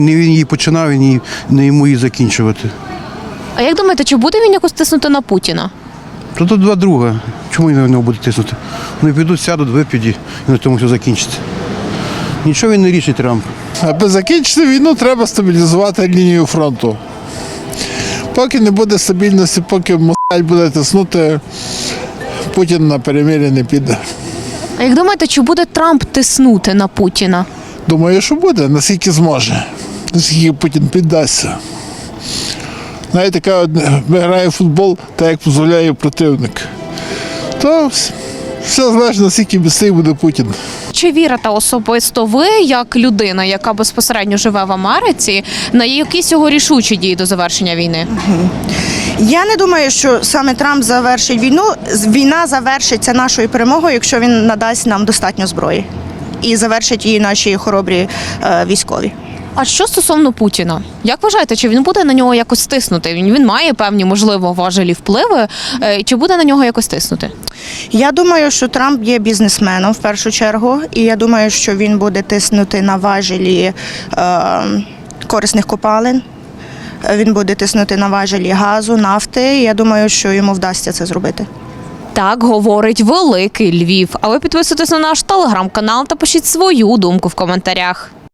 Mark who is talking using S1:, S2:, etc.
S1: Не він її починав, і не йому її закінчувати.
S2: А як думаєте, чи буде він якось тиснути на Путіна?
S1: То тут два друга. Чому він на нього буде тиснути? Вони підуть, сядуть, вип'ють і на тому все закінчиться. Нічого він не рішить Трамп.
S3: Аби закінчити війну, треба стабілізувати лінію фронту. Поки не буде стабільності, поки Москаль буде тиснути, Путін на перемир'я не піде.
S2: А як думаєте, чи буде Трамп тиснути на Путіна?
S3: Думаю, що буде, наскільки зможе, наскільки Путін піддасться. Знаєте, грає в футбол, так як дозволяє противник. То все залежить, наскільки міцний буде Путін.
S2: Чи вірите особисто ви, як людина, яка безпосередньо живе в Америці, на якісь його рішучі дії до завершення війни?
S4: Я не думаю, що саме Трамп завершить війну. Війна завершиться нашою перемогою, якщо він надасть нам достатньо зброї. І завершить її наші хоробрі військові.
S2: А що стосовно Путіна? Як вважаєте, чи він буде на нього якось тиснути? Він має певні, можливо, важелі впливи. Чи буде на нього якось тиснути?
S4: Я думаю, що Трамп є бізнесменом в першу чергу. І я думаю, що він буде тиснути на важелі корисних копалин. Він буде тиснути на важелі газу, нафти. Я думаю, що йому вдасться це зробити.
S2: Так говорить Великий Львів. А ви підписуйтесь на наш телеграм-канал та пишіть свою думку в коментарях.